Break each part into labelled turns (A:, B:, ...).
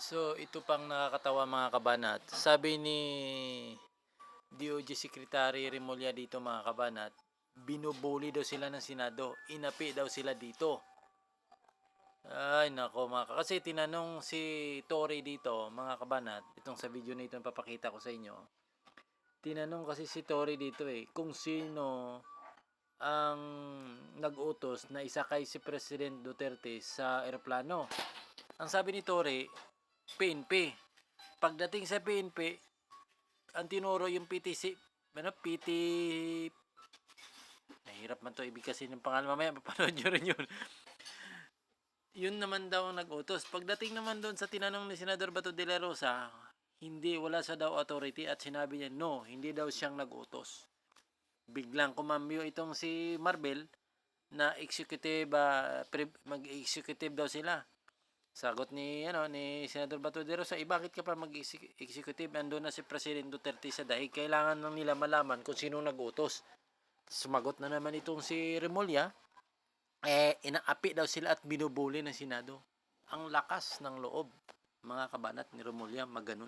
A: So, ito pang nakakatawa mga kabanat. Sabi ni DOJ Secretary Remulla dito mga kabanat, binubuli daw sila ng Senado. Inapi daw sila dito. Ay nako kasi tinanong si Tory dito mga kabanat, itong sa video na ito papakita ko sa inyo. Tinanong kasi si Tory dito kung sino ang nag-utos na isakay si President Duterte sa eroplano. Ang sabi ni Tory, PNP. Pagdating sa PNP, ang tinuro yung PTC, PT, nahirap man to ibig kasi ng pangalan, mamaya mapanood nyo rin yun. Yun naman daw ang nag-utos. Pagdating naman doon sa tinanong ni Senador Bato de la Rosa, wala sa daw authority at sinabi niya, no, hindi daw siyang nag-utos. Biglang kumambyo itong si Marvel na executive, mag-executive daw sila. Sagot ni Senador Bato de Rosa, bakit ka pa mag-executive? Andun na si President Duterte sa dahig. Kailangan lang nila malaman kung sino nag-utos. Sumagot na naman itong si Remulla, inaapi daw sila at binubuli ng Senado. Ang lakas ng loob, mga kabanat ni Remulla, maganon.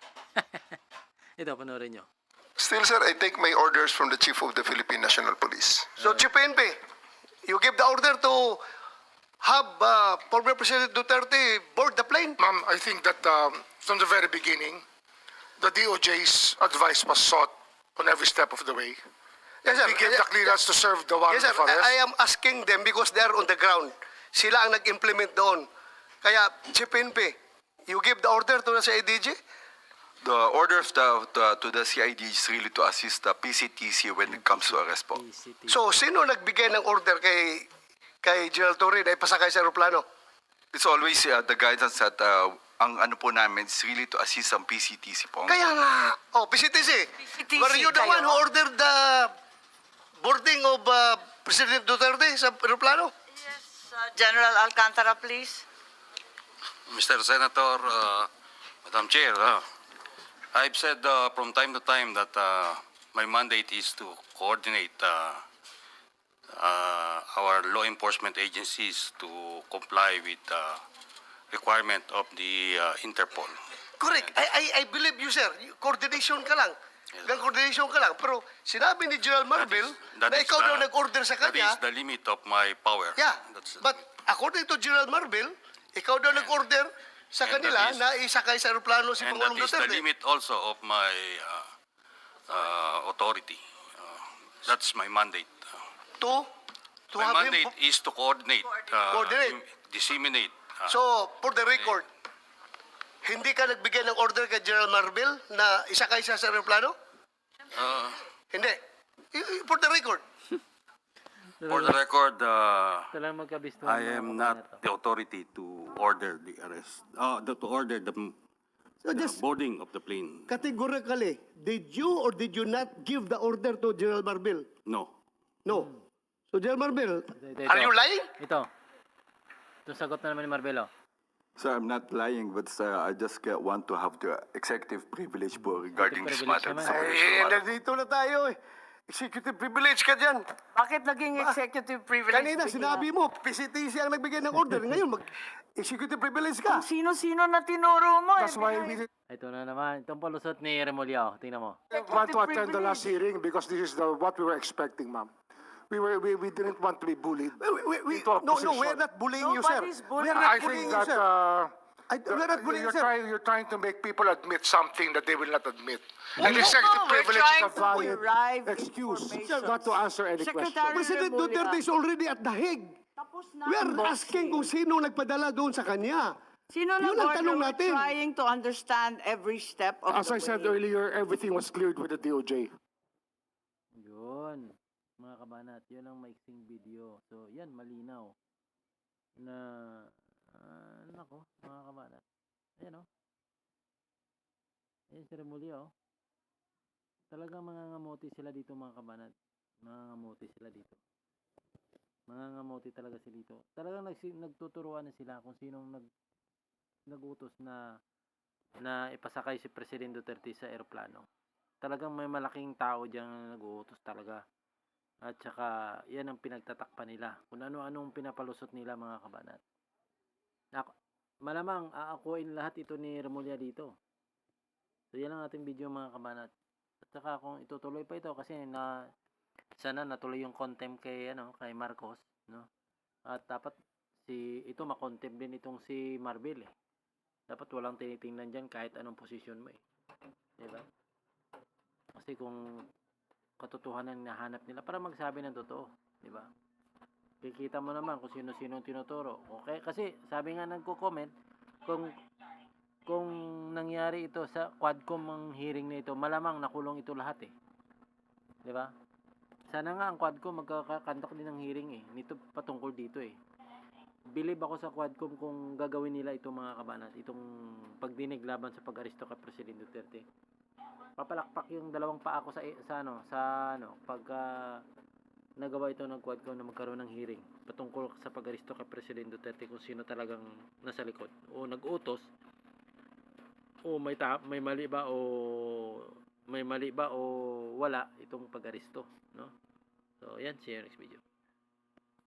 A: Ito, panoorin nyo.
B: Still, sir, I take my orders from the Chief of the Philippine National Police.
C: So, Chief PNP, you give the order to have former President Duterte board the plane?
D: Ma'am, I think that from the very beginning, the DOJ's advice was sought on every step of the way.
C: Yes, sir.
D: We gave the clearance to serve the warrant
C: Yes, sir.
D: of arrest.
C: I am asking them because they are on the ground. Sila ang nag-implement doon. Kaya, Chief PNP, you give the order to the CIDG?
E: The order to the CID is really to assist the PCTC when it comes to arrest po.
C: So, sino nagbigay ng order kay General Torre na ipasakay sa aeroplano?
E: It's always the guidance that ang ano po namin is really to assist ang PCTC po.
C: Kaya nga, PCTC. Were you the one who ordered the boarding of President Duterte sa aeroplano?
F: Yes, General Alcantara, please.
G: Mr. Senator, Madam Chair, I've said from time to time that my mandate is to coordinate our law enforcement agencies to comply with the requirement of the Interpol.
C: Correct. I believe you, sir. Coordination ka lang. Coordination ka lang. Pero sinabi ni General Marvel na ikaw daw nag-order sa
G: That
C: kanya.
G: is the limit of my power.
C: Yeah.
G: That's the
C: But
G: limit.
C: according to General Marvel, ikaw daw nag-order sa
G: and
C: kanila
G: that is-
C: na isakay sa aeroplano si
G: And that
C: Pangulong
G: is the
C: Duterte.
G: limit also of my authority. That's my mandate.
C: To
G: My
C: have him.
G: mandate is to coordinate,
C: Coordinate.
G: disseminate.
C: So, for the record, hindi ka nagbigay ng order kay General Marvel na isakay siya sa aeroplano? Hindi. For the record.
G: For the record,
A: Talagang magkabisto.
G: I am not the authority to order the arrest, to order the
C: So just
G: boarding of the plane.
C: categorically, did you or did you not give the order to General Marvel?
G: No.
C: No. So, General Marvel,
A: Ito.
C: are you lying?
A: Ito. Ito sagot na naman ni Marvelo.
E: Sir, I'm not lying, but I just want to have the executive privilege po regarding this
A: Executive
E: matter.
A: privilege naman.
C: Nandito na tayo eh. Executive privilege ka dyan.
F: Bakit naging executive privilege?
C: Kanina
F: bigla?
C: sinabi mo, PCTC ang nagbigay ng order. Ngayon, executive privilege ka.
F: Sino-sino na tinuro mo?
D: That's why we
A: Ito na naman. Itong palusot ni Remulla. Tingnan mo.
D: want to attend the last hearing because this is what we were expecting, ma'am. We didn't want to be bullied. into a
C: No,
D: position.
C: we're not bullying you, sir.
F: Nobody's bullying.
C: We're not
D: I
C: bullying
D: think
C: you,
D: that
C: sir. We're not bullying you, sir.
D: you're trying to make people admit something that they will not admit. And
F: No,
D: executive
F: we're
D: privilege is
F: trying
D: a
F: to
D: valid
F: derive
D: excuse
F: information.
D: not to answer any question.
F: Secretary
C: President
F: Remulla.
C: Duterte is already at the Hague.
F: Tapos na
C: We are
F: ang boxing.
C: asking kung sino nagpadala doon sa kanya.
F: Sino
C: Yun ang
F: nag-order?
C: tanong
F: We're
C: natin.
F: trying to understand every step of
D: As
F: the
D: I said
F: way.
D: earlier, everything was cleared with the DOJ.
A: Yun. Mga kabanat, yun ang maiksing video. So, yan, malinaw. Na, nako, mga kabanat. Ayan o. Ayan si Remulla o. Talagang mangangamuti sila dito mga kabanat. Mangangamuti sila dito. Mangangamuti talaga sila dito. Talagang nagtuturuan na sila kung sinong nagutos na ipasakay si President Duterte sa eroplano. Talagang may malaking tao diyan na nag-uutos talaga. At saka, yan ang pinagtatakpan nila. Kung ano-anong pinapalusot nila mga kabanat. malamang aakuin lahat ito ni Remulla dito. So yan ang ating video mga kabanat. At saka kung itutuloy pa ito kasi sana natuloy yung contempt kay Marcos, no? At dapat ito makontempt din itong si Marbil eh. Dapat walang tinitingnan diyan kahit anong posisyon mo eh. 'Di ba? Kasi kung katotohanan na hanap nila para magsabi ng totoo, 'di ba? Kikita mo naman kung sino-sino ang tinuturo. Okay, kasi sabi nga nagko-comment kung nangyari ito sa Quadcom ang hearing na ito, malamang nakulong ito lahat eh. 'Di ba? Sana nga ang Quadcom magkakakandak din ng hearing eh. Nito patungkol dito eh. Believe ako sa Quadcom kung gagawin nila itong mga kabanat, itong pagdinig laban sa pag-aresto kay Presidente Duterte. Papalakpak yung dalawang paa ko pag nagawa ito ng Quadcom na magkaroon ng hearing patungkol sa pag-aresto kay Presidente Duterte kung sino talagang nasa likod o nag-utos o may mali ba o wala itong pag-aresto, no? So, yan, see you next video.